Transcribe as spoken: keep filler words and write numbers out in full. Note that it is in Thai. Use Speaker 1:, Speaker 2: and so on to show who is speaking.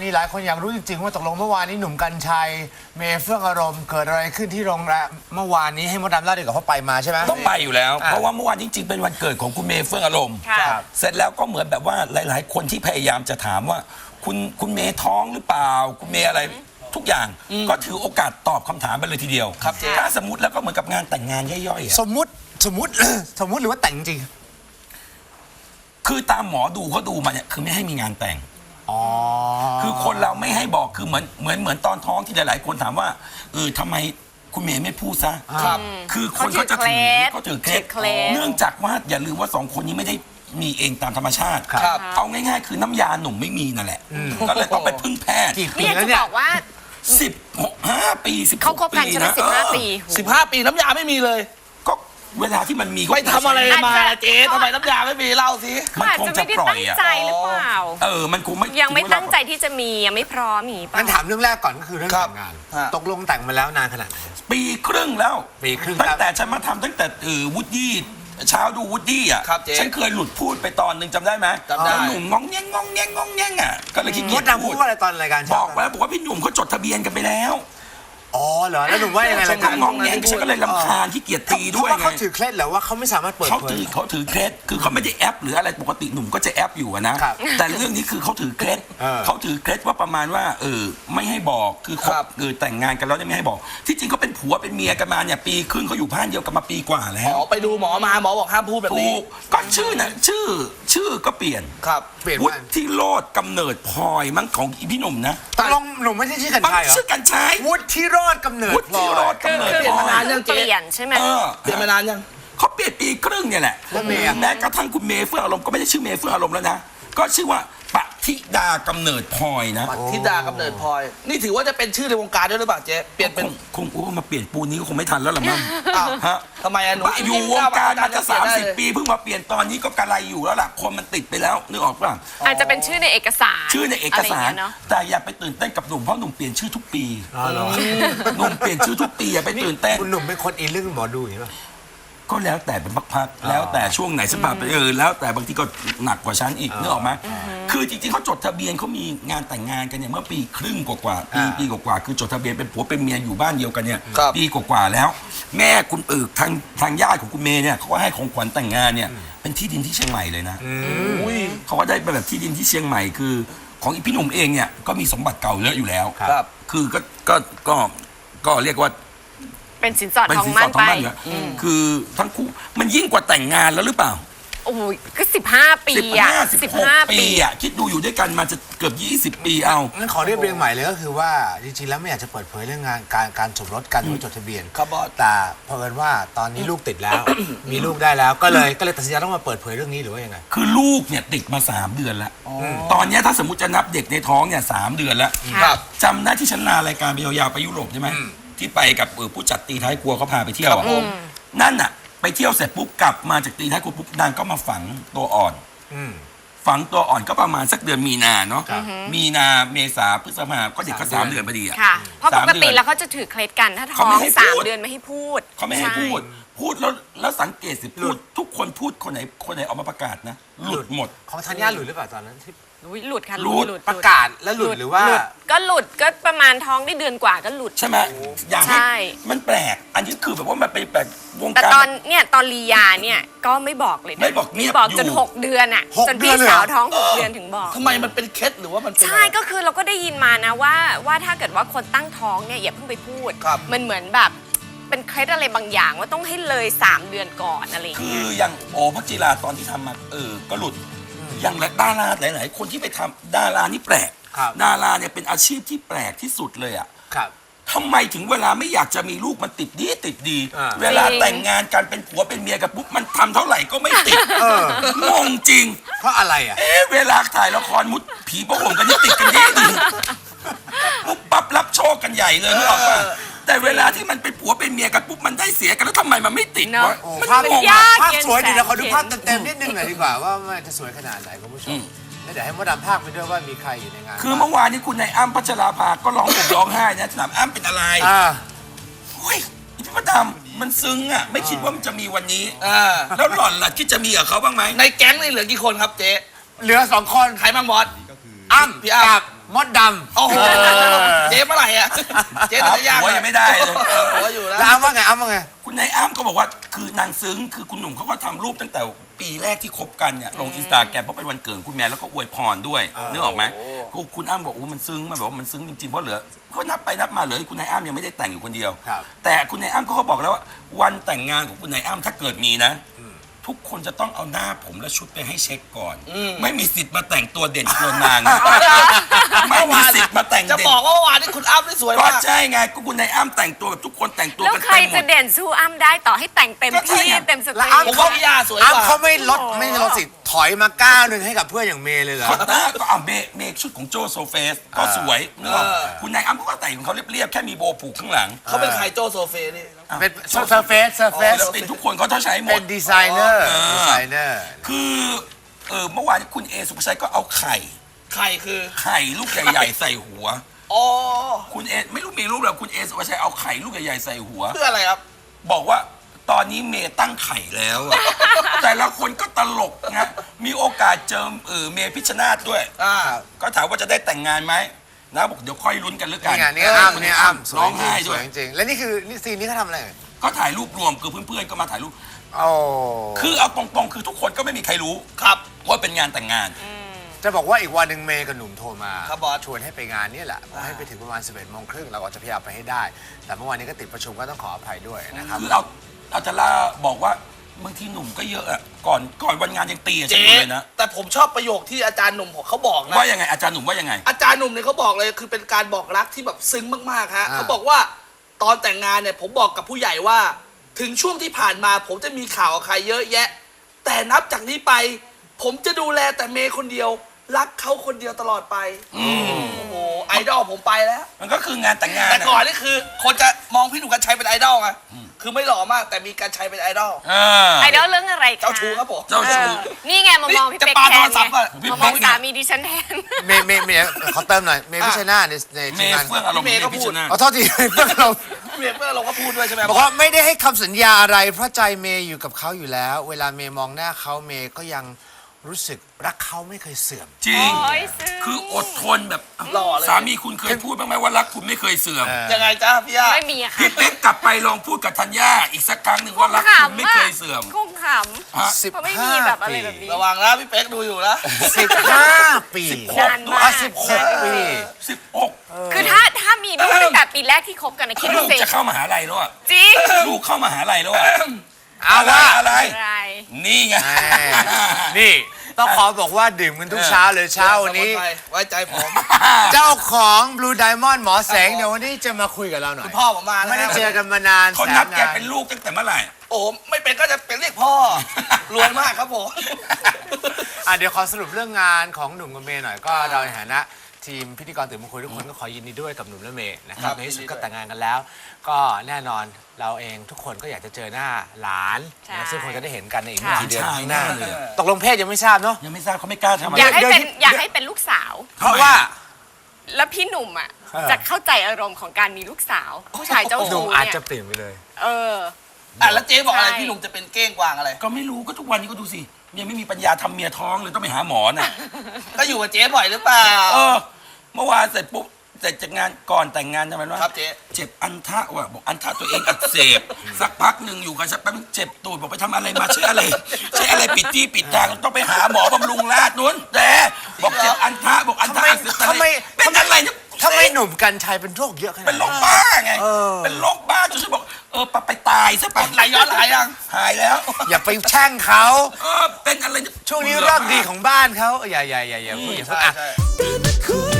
Speaker 1: นี่หลายคนอยากรู้จริงๆว่าตกลงเมื่อวานนี้หนุ่มกรรชัยเมย์เฟื่องอารมณ์เกิดอะไรขึ้นที่โรงแรมเมื่อวานนี้ให้มดดำเล่าดีกว่าเขาไปมาใช่ไหม
Speaker 2: ต้องไปอยู่แล้วเพราะว่าเมื่อวานจริงๆเป็นวันเกิดของคุณเมย์เฟื่องอารมณ์เสร็จแล้วก็เหมือนแบบว่าหลายๆคนที่พยายามจะถามว่าคุณคุณเมย์ท้องหรือเปล่าคุณเมย์อะไรทุกอย่างก็ถือโอกาสตอบคำถามไปเลยทีเดียวถ้าสมมติแล้วก็เหมือนกับงานแต่งงานย่อยๆ
Speaker 1: สมมุติสมมุติสมมุติหรือว่าแต่งจริง
Speaker 2: คือตามหมอดูเขาดูมาเนี่ยคือไม่ให้มีงานแต่ง
Speaker 1: อ๋อ
Speaker 2: คือคนเราไม่ให้บอกคือเหมือนเหมือนเหมือนตอนท้องที่หลายๆคนถามว่าเออทำไมคุณเมย์ไม่พูดซะครับคือคนเขาจะถือเขาถือเคล็ดเนื่องจากว่าอย่าลืมว่าสองคนนี้ไม่ได้มีเองตามธรรมชาติเอาง่ายๆคือน้ำยาหนุ่มไม่มีนั่นแหละก็เลยต้องไปพึ่งแพทย์
Speaker 3: นี่อยากจะบอกว่า
Speaker 2: สิบห้าปีสิบ
Speaker 3: เขาคบกันใช่ไหมสิบห้าปี
Speaker 4: สิบห้าปีน้ำยาไม่มีเลย
Speaker 2: ก็เวลาที่มันมี
Speaker 4: ไปทำอะไรมาเจ๊ทำไมน้ำยาไม่มีเล่าสิ
Speaker 2: มันคงจะปล่อยอ่ะ
Speaker 3: ใจหรือเปล่า
Speaker 2: เออมันคงไม่
Speaker 3: ยังไม่ตั้งใจที่จะมียังไม่พร้อมอีก
Speaker 1: งั้นถามเรื่องแรกก่อนก็คือเรื่องแต่งงานตกลงแต่งมาแล้วนานขนาดไหน
Speaker 2: ปีครึ่งแล้ว
Speaker 1: ปีครึ่ง
Speaker 2: ตั้งแต่ฉันมาทำตั้งแต่เออวูดดี้เช้าดูวูดดี้อ่ะฉันเคยหลุดพูดไปตอนหนึ่งจำได้ไหม
Speaker 4: จำได้
Speaker 2: หนุ่มงองแงงงองแงงงองแงงอ่ะก็เลยคิด
Speaker 1: มดดำพูดว่าอะไรตอนรายการ
Speaker 2: บอกแล้วบอกว่าพี่หนุ่มเขาจดทะเบียนกันไปแล้ว
Speaker 1: อ๋อเหรอแล้วหนุ่มว่ายังไงล่ะ
Speaker 2: กันงองแงงฉันก็เลยรำคาญที่เกียรตีด้วยไง
Speaker 1: เขาถือเคล็ดเหรอว่าเขาไม่สามารถเปิด
Speaker 2: เขาถือเขาถือเคล็ดคือเขาไม่ได้แอปหรืออะไรปกติหนุ่มก็จะแอปอยู่นะแต่เรื่องนี้คือเขาถือเคล็ดเขาถือเคล็ดว่าประมาณว่าเออไม่ให้บอกคือคบเออแต่งงานกันแล้วไม่ให้บอกที่จริงเขาเป็นผัวเป็นเมียกันมาเนี่ยปีครึ่งเขาอยู่บ้านเดียวกันมาปีกว่าแล้ว
Speaker 4: อ๋อไปดูหมอมาหมอบอกห้ามพูดแบบนี้
Speaker 2: ก็ชื่อนะชื่อชื่อก็เปลี่ยน
Speaker 4: ครับ
Speaker 1: เปลี่ยน
Speaker 2: วุฒิโรจน์กำเนิดพลอยมั้งของอีพี่หนุ่มนะ
Speaker 1: ตกลงหนุ่มไม่ใช่ชื่อกันชัยเหรอ
Speaker 2: ชื่อกันชัย
Speaker 1: วุฒิโรจน์กำเนิดพลอย
Speaker 2: วุฒิโรจน์กำเนิดพลอย
Speaker 4: เปลี่ยนมานานยัง
Speaker 3: เปลี่ยนใช่ไหม
Speaker 4: เปลี่ยนมานานยัง
Speaker 2: เขาเปลี่ยนปีครึ่งเนี่ยแหละแม้กระทั่งคุณเมย์เฟื่องอารมณ์ก็ไม่ได้ชื่อเมย์เฟื่องอารมณ์แล้วนะก็ชื่อว่าปฏิดากำเนิดพลอยนะ
Speaker 4: ปฏิดากำเนิดพลอยนี่ถือว่าจะเป็นชื่อในวงการด้วยหรือเปล่าเจ๊เปลี่ยนเป็น
Speaker 2: คงโอ้มาเปลี่ยนปูนี้ก็คงไม่ทันแล้วหรอมั้ง
Speaker 4: ฮะทำไมอะหนู
Speaker 2: อยู่วงการมาจะสามสิบปีเพิ่งมาเปลี่ยนตอนนี้ก็กระไรอยู่แล้วล่ะคนมันติดไปแล้วนึกออกป่ะ
Speaker 3: อาจจะเป็นชื่อในเอกสาร
Speaker 2: ชื่อในเอกสารแต่อย่าไปตื่นเต้นกับหนุ่มเพราะหนุ่มเปลี่ยนชื่อทุกปีหนุ่มเปลี่ยนชื่อทุกปีอย่าไปตื่นเต้น
Speaker 1: คุณหนุ่มเป็นคนอินเรื่องหมอดูอย่างนี้ป่ะ
Speaker 2: ก็แล้วแต่เป็นพักๆแล้วแต่ช่วงไหนสภาพเออแล้วแต่บางทีก็หนักกว่าฉันอีกนึกออกไหมคือจริงๆเขาจดทะเบียนเขามีงานแต่งงานกันเนี่ยเมื่อปีครึ่งกว่าๆปีปีกว่าๆคือจดทะเบียนเป็นผัวเป็นเมียอยู่บ้านเดียวกันเนี่ยปีกว่าๆแล้วแม่คุณเอิกทางทางญาติของคุณเมย์เนี่ยเขาก็ให้ของขวัญแต่งงานเนี่ยเป็นที่ดินที่เชียงใหม่เลยนะเขาก็ได้เป็นแบบที่ดินที่เชียงใหม่คือของอีพี่หนุ่มเองเนี่ยก็มีสมบัติเก่าเยอะอยู่แล้วคือก็ก็ก็ก็เรียกว่า
Speaker 3: เป็นสินสอดทองมั่นไป
Speaker 2: คือทั้งคู่มันยิ่งกว่าแต่งงานแล้วหรือเปล่า
Speaker 3: โอ้ยก็สิบห้าปีอ่ะ
Speaker 2: สิบห้าปีอ่ะคิดดูอยู่ด้วยกันมาจะเกือบยี่สิบปีเอา
Speaker 1: งั้นขอเรียบเรียงใหม่เลยก็คือว่าจริงๆแล้วไม่อยากจะเปิดเผยเรื่องงานการการสมรสกันหรือจดทะเบียน
Speaker 4: ครับบอส
Speaker 1: แต่เผอิญว่าตอนนี้ลูกติดแล้วมีลูกได้แล้วก็เลยก็เลยตัดสินใจต้องมาเปิดเผยเรื่องนี้หรือว่ายังไง
Speaker 2: คือลูกเนี่ยติดมาสามเดือนแล้วตอนนี้ถ้าสมมติจะนับเด็กในท้องเนี่ยสามเดือนแล้วจำได้ที่ฉันลารายการไปยาวๆไปยุโรปใช่ไหมที่ไปกับผู้จัดตีท้ายครัวเขาพาไปเที่ยวนั่นน่ะไปเที่ยวเสร็จปุ๊บกลับมาจากตีท้ายครัวปุ๊บนางก็มาฝังตัวอ่อนฝังตัวอ่อนก็ประมาณสักเดือนมีนาเนาะมีนาเมษาพฤษภาก็เด็กก็สามเดือนพอดีอ่ะ
Speaker 3: เพราะปกติแล้วเขาจะถือเคล็ดกันถ้าท้องสามเดือนไม่ให้พูด
Speaker 2: เขาไม่ให้พูดพูดแล้วแล้วสังเกตสิพูดทุกคนพูดคนไหนคนไหนออกมาประกาศนะหลุดหมด
Speaker 1: ของธัญญาหลุดหรือเปล่าตอนนั้นที่
Speaker 3: หลุดค่ะ
Speaker 2: หลุด
Speaker 1: ประกาศแล้วหลุดหรือว่า
Speaker 3: ก็หลุดก็ประมาณท้องได้เดือนกว่าก็หลุด
Speaker 2: ใช่ไหมอย่างนี้มันแปลกอันนี้คือแบบว่ามันเป็นแปลกวงการ
Speaker 3: แต่ตอนเนี่ยตอนลียาเนี่ยก็ไม่บอกเลย
Speaker 2: ไม่บอก
Speaker 3: ไม่บอกจนหกเดือนอ่ะจนพี่สาวท้องหกเดือนถึงบอก
Speaker 4: ทำไมมันเป็นเคล็ดหรือว่ามัน
Speaker 3: ใช่ก็คือเราก็ได้ยินมานะว่าว่าถ้าเกิดว่าคนตั้งท้องเนี่ยอย่าเพิ่งไปพูดมันเหมือนแบบเป็นเคล็ดอะไรบางอย่างว่าต้องให้เลยสามเดือนก่อนอะไร
Speaker 2: คืออย่างโอพักจิราตอนที่ทำมาเออก็หลุดอย่างดาราหลายๆคนที่ไปทำดารานี่แปลกดาราเนี่ยเป็นอาชีพที่แปลกที่สุดเลยอ่ะทำไมถึงเวลาไม่อยากจะมีลูกมันติดดีติดดีเวลาแต่งงานกันเป็นผัวเป็นเมียกันปุ๊บมันทำเท่าไหร่ก็ไม่ติดงงจริง
Speaker 1: เพราะอะไรอ่ะ
Speaker 2: เอ๊ะเวลาถ่ายละครมุดผีประหงกันนี่ติดกันดีดีปุ๊บปั๊บรับโชคกันใหญ่เลยนึกออกป่ะแต่เวลาที่มันเป็นผัวเป็นเมียกันปุ๊บมันได้เสียกันแล้วทำไมมันไม่ติดวะ
Speaker 1: ภาพภาพสวยดีนะขอดูภาพเต็มๆนิดนึงหน่อยดีกว่าว่ามันจะสวยขนาดไหนคุณผู้ชมแล้วเดี๋ยวให้มดดำภาคไปด้วยว่ามีใครอยู่ในงาน
Speaker 2: คือเมื่อวานนี้คุณนายอ้ำพัชราภาก็ร้องผมร้องไห้นะถามอ้ำเป็นอะไรเฮ้ยพี่มดดำมันซึ้งอ่ะไม่คิดว่ามันจะมีวันนี้แล้วหล่อนล่ะคิดจะมีกับเขาบ้างไหม
Speaker 4: ในแก๊งนี่เหลือกี่คนครับเจ๊
Speaker 1: เหลือสองคน
Speaker 4: ใครบ้างบอส
Speaker 1: อ้ำ
Speaker 4: พี่อ้ำ
Speaker 1: มดดำ
Speaker 4: โอ้โหเจ๊เมื่อไหร่อะเจ๊
Speaker 2: หา
Speaker 4: จะยาก
Speaker 2: ผัวยังไม่ได้เลย
Speaker 4: หัวอยู่แล้ว
Speaker 1: แล้วอ้ำว่าไงอ้ำว่าไง
Speaker 2: คุณนายอ้ำก็บอกว่าคือนางซึ้งคือคุณหนุ่มเขาก็ทำรูปตั้งแต่ปีแรกที่คบกันเนี่ยลงอินสตาแกรมเพราะเป็นวันเกิดคุณแม่แล้วก็อวยพรด้วยนึกออกไหมคุณอ้ำบอกโอ้มันซึ้งมันบอกว่ามันซึ้งจริงๆเพราะเหลือเขานับไปนับมาเหลือคุณนายอ้ำยังไม่ได้แต่งอยู่คนเดียว
Speaker 1: ครับ
Speaker 2: แต่คุณนายอ้ำก็เขาบอกแล้วว่าวันแต่งงานของคุณนายอ้ำถ้าเกิดมีนะ ทุกคนจะต้องเอาหน้าผมและชุดไปให้เช็คก่อน ไม่มีสิทธิ์มาแต่งตัวเด่นเกินนางนะไม่มีสิทธิ์มาแต่ง
Speaker 4: จะ
Speaker 2: เด่น
Speaker 4: บอกว่าเมื่อวานนี้คุณอ้ำนี่สวย
Speaker 2: ก็
Speaker 4: มาก
Speaker 2: ใช่ไงก็คุณนายอ้ำแต่งตัวแบบทุกคนแต่งตัว
Speaker 3: แล้ว
Speaker 2: กัน
Speaker 3: ใคร
Speaker 2: เต็มหม
Speaker 3: จะ
Speaker 2: ด
Speaker 3: เด่นสู้อ้ำได้ต่อให้แต่งเต็ม
Speaker 2: ก็ใช่
Speaker 3: ที่
Speaker 2: ไง
Speaker 3: เต็มสต
Speaker 1: แล้ว
Speaker 3: รี
Speaker 1: อ้ำ
Speaker 4: ผมว่าพี่ย่าสวยก
Speaker 1: อ้ำ
Speaker 4: ว่า
Speaker 1: เขาไม่ลดไม่ลดสิถอยมาก้าวหนึ่งให้กับเพื่อนอย่างเมย์เลยเหรอ
Speaker 2: คอนด้าก็เอาเมคเมคชุดของโจโซเฟสก็สวยนึกออกคุณนายอ้ำก็แต่งของเขาเรียบๆแค่มีโบว์ผูกข้างหลัง
Speaker 4: เขาเป็นใครโจโซเฟนี่
Speaker 1: เป็นเซอร์เฟสเซอร์เฟส
Speaker 2: ศิลปินทุกคนเขาต้องใช้หม
Speaker 1: เป็
Speaker 2: ด
Speaker 1: นดีไซเนอร์ดีไซเนอร์
Speaker 2: คือเออเมื่อวานคุณเอสุภาชัยก็เอาไข่
Speaker 4: ใครคือ
Speaker 2: ไข่ลูกใหญ่ๆใส่หัว
Speaker 4: อ๋อ
Speaker 2: คุณเอไม่รู้มีรูปหรอคุณเอสุภาชัยเอาไข่ลูกใหญ่ๆใส่หัว
Speaker 4: เพื่ออะไรครับ
Speaker 2: บอกว่าตอนนี้เมย์ตั้งไข่แล้วอะ แต่ละคนก็ตลกนะมีโอกาสเจอเออเมย์พิชชนาธิ์ด้วย
Speaker 4: อ่า
Speaker 2: ก็ถามว่าจะได้แต่งงานไหมนะบอกเดี๋ยวค่อยลุ้นกันแล้วกัน
Speaker 1: นี่ไงนี่อ้ำนี่อ้ำสวย
Speaker 2: ร้อง
Speaker 1: จริ
Speaker 2: ไห้
Speaker 1: งส
Speaker 2: ด้ว
Speaker 1: วย ยจริงแล้วนี่คือนี่ซีนนี้เขาทำอะไร
Speaker 2: ก็ถ่ายรูปรวมคือเพื่อนๆก็มาถ่ายรูป
Speaker 1: โอ้
Speaker 2: คือเอาตรงๆคือทุกคนก็ไม่มีใครรู้
Speaker 4: ครับ
Speaker 2: ว่าเป็นงานแต่งงาน
Speaker 1: จะบอกว่าอีกวันหนึ่งเมย์กับหนุ่มโทรมา
Speaker 4: ครับบอส
Speaker 1: ชวนให้ไปงานนี่แหละบอกให้ไปถึงประมาณสิบเอ็ดโมงครึ่งเราก็จะพยายามไปให้ได้ แต่เมื่อวานนี้ก็ติดประชุมก็ต้องขออภัยด้วยนะครับ
Speaker 2: คือเราเราจะล่าบอกว่าบางทีหนุ่มก็เยอะอะก่อนก่อนวันงานยังตีกับฉัน
Speaker 4: เจ๊
Speaker 2: อยู่เลยนะ
Speaker 4: แต่ผมชอบประโยคที่อาจารย์หนุ่มเขาบอกนะ
Speaker 2: ว่ายังไงอาจารย์หนุ่มว่ายังไง
Speaker 4: อาจารย์หนุ่มเนี่ยเขาบอกเลยคือเป็นการบอกรักที่แบบซึ้งมากๆฮะ
Speaker 1: อ่า
Speaker 4: เขาบอกว่าตอนแต่งงานเนี่ยผมบอกกับผู้ใหญ่ว่า ถึงช่วงที่ผ่านมาผมจะมีข่าวกับใครเยอะแยะ แต่นับจากนี้ไป ผมจะดูแลแต่เมย์คนเดียว รักเขาคนเดียวตลอดไปโอ้โหไอดอลผมไปแล้ว
Speaker 2: มันก็คืองานแต่งงาน
Speaker 4: แต่
Speaker 2: อะ
Speaker 4: ก่อนนี่คือคนจะมองพี่หนุ่มกัญชัยเป็นไอดอลไงคือไม่หล่อมากแต่มีกัญชัยเป็นไอดอล
Speaker 2: เออ
Speaker 3: ไอดอลเรื่องอะไรคะ
Speaker 4: เจ้าชู้ครับผม
Speaker 2: เจ้าชู้
Speaker 3: เออนี่ไงมามองพี่
Speaker 4: จะ
Speaker 3: เป๊ก
Speaker 4: ปา
Speaker 3: แท
Speaker 4: โท
Speaker 3: น
Speaker 4: รศัพท์
Speaker 3: ไง
Speaker 4: อะ
Speaker 2: พี่
Speaker 3: มาม
Speaker 2: เป๊
Speaker 3: อง
Speaker 2: กเนี่ย
Speaker 3: สามีดิฉันแทน
Speaker 1: เมย์เมย์เมย์ขอเติมหน่อยเมย์พิชชนาธิ์ในใน
Speaker 2: เม
Speaker 1: ทีม
Speaker 2: ย์
Speaker 1: งาน
Speaker 2: เฟื่องอารมณ์
Speaker 4: พี่เมย์ก็
Speaker 2: พิ
Speaker 4: พู
Speaker 2: ช
Speaker 4: ด
Speaker 2: นา
Speaker 1: ขอโทษทีเพื่อนเรา
Speaker 4: เมียเพื่อนเราก็พูดด้วยใช่ไหม
Speaker 1: บอกว่าไม่ได้ให้คำสัญญาอะไรเพราะใจเมย์อยู่กับเขาอยู่แล้ว เวลาเมย์มองหน้าเขาเมย์ก็ยังรู้สึกรักเขาไม่เคยเสื่อม
Speaker 2: จริง
Speaker 3: โอ้ยซึ้ง
Speaker 2: คืออดทนแบบ
Speaker 4: หล่อเลย
Speaker 2: สามีคุณเคยพูดบ้างไหมว่ารักคุณไม่เคยเสื่อม
Speaker 1: เออ
Speaker 4: ยังไงจ้าพี่ย่า
Speaker 3: ไม่มีอะค่ะ
Speaker 2: พี่เป๊กกลับไปลองพูดกับธัญญาอีกสักครั้งหนึ่งว่ารักคุณไม่เคยเสื่อม
Speaker 3: คงข
Speaker 2: ฮะ
Speaker 1: สิบ
Speaker 3: เพราะไม่
Speaker 1: ห้า
Speaker 3: มีแบบอะไร
Speaker 1: ปี
Speaker 3: แบบนี้
Speaker 4: ระวังนะพี่เป๊กดูอยู่นะ
Speaker 1: สิบห้าปี
Speaker 3: นานมาก
Speaker 1: อ่ะสิบหกปี
Speaker 2: สิบหก
Speaker 3: ำคือถ้าถ้ามีลูกตั้งแต่ปีแรกที่คบกันนะคิด
Speaker 2: ลู
Speaker 3: ดู
Speaker 2: ก
Speaker 3: สิ
Speaker 2: จะเข้ามหาลัยแล้วอะ
Speaker 3: จริง
Speaker 2: ลูกเข้ามหาลัยแล้วอะ
Speaker 1: เอาว่า
Speaker 2: อะไร
Speaker 3: อะไร
Speaker 2: นี่ไง
Speaker 1: แหม่นี่ต้องขอบอกว่าดื่มกันทุกเช้าเลยเช้าวันนี้
Speaker 4: ไว้ใจผม
Speaker 1: เจ้าของ Blue Diamond หมอแสงเดี๋ยววันนี้จะมาคุยกับเราหน่อย
Speaker 4: พ่อผมมา
Speaker 1: ไม่ได้
Speaker 4: นะ
Speaker 1: เจอกันมานาน
Speaker 2: เขา
Speaker 1: แส
Speaker 2: นั
Speaker 1: น
Speaker 2: บแก
Speaker 1: นาน
Speaker 2: เป็นลูกตั้งแต่เมื่อไหร่
Speaker 4: โอ้ไม่เป็นก็จะเป็นเรียกพ่อ รวยมากครับผม
Speaker 1: อ่ะเดี๋ยวขอสรุปเรื่องงานของหนุ่มกับเมย์หน่อยก็เราในฐานะทีมพิธีกรตื่นมาคุยทุกคนก็ขอยินดีด้วยกับหนุ่มและเมย์นะครับ
Speaker 4: ครับ
Speaker 1: ในที่สุด
Speaker 4: ยินดี
Speaker 1: ก็
Speaker 4: ด้วย
Speaker 1: แต่งงานกันแล้ว ก็แน่นอนเราเองทุกคนก็อยากจะเจอหน้าหลาน
Speaker 3: ใช่
Speaker 1: นะซึ่งคงจะได้เห็นกันในอีกไม่
Speaker 3: ค่ะ
Speaker 1: กี่เดือน
Speaker 2: ใช่
Speaker 1: ข้างหน้า
Speaker 2: แน่เลย
Speaker 1: ตกลงเพศยังไม่ทราบเนาะ
Speaker 2: ยังไม่ทราบเขาไม่กล้าทำอะไร
Speaker 3: อยากให้
Speaker 1: เดี๋ยว
Speaker 3: เป็น
Speaker 1: เดี๋ยว
Speaker 3: อยากให้เป็นลูกสาว
Speaker 1: เพราะว่า
Speaker 3: แล้วพี่หนุ่มอ่ะ
Speaker 1: เออ
Speaker 3: จะเข้าใจอารมณ์ของการมีลูกสาว ผู้ชายเจ้า
Speaker 1: หนุ่
Speaker 3: ชู้
Speaker 1: มอาจ
Speaker 3: เนี่ย
Speaker 1: จะเปลี่ยนไปเลย
Speaker 3: เออ
Speaker 4: อ่ะแล้วเจ๊บอกอะไร
Speaker 3: ใช่
Speaker 4: พี่หนุ่มจะเป็นเก้งกวางอะไร
Speaker 2: ก็ไม่รู้ก็ทุกวันนี้ก็ดูสิยังไม่มีปัญญาทำเมียท้องเลยต้องไปหาหมอน่ะ
Speaker 4: ก็อยู่กับเจ๊บ่อยหรือเปล่า
Speaker 2: เออ เมื่อวานเสร็จปุ๊บเสร็จจากงานก่อนแต่งงานทำไมวะ
Speaker 4: ครับเจ๊
Speaker 2: เจ็บอันทะว่ะบอกอันทะตัวเองอักเสบ สักพักหนึ่งอยู่กันสักแป๊บนึงเจ็บตูดบอกไปทำอะไรมาใช่อะไรใช่อะไรปิดที่ปิดทางต้องไปหาหมอบำรุงราษฎร์นู้นแต่บอกเจ็บอันทะบอกอันทะอักเสบ
Speaker 1: ทำไม
Speaker 2: เป็นอะไรเนี่ย
Speaker 1: ทำไมหนุ่มกัญชัยเป็นโรคเยอะขนาด
Speaker 2: เป็นโร
Speaker 1: นั้น
Speaker 2: คบ้าไง
Speaker 1: เออ
Speaker 2: เป็นโรคบ้าจนฉันบอกเออไปไปตายซะไป
Speaker 4: ไหลย้อนหลายยัง
Speaker 2: หายแล้ว
Speaker 1: อย่าไปแช่งเขา
Speaker 2: เออเป็นอะไรเย
Speaker 1: ช่วงนี้เรื่องดีของบ้านเขาอย่าอย่าอย่าอย่าพูดอย่าพูด
Speaker 4: ใช่
Speaker 1: อ่ะ
Speaker 4: ใช่
Speaker 5: ตื่นมาคุย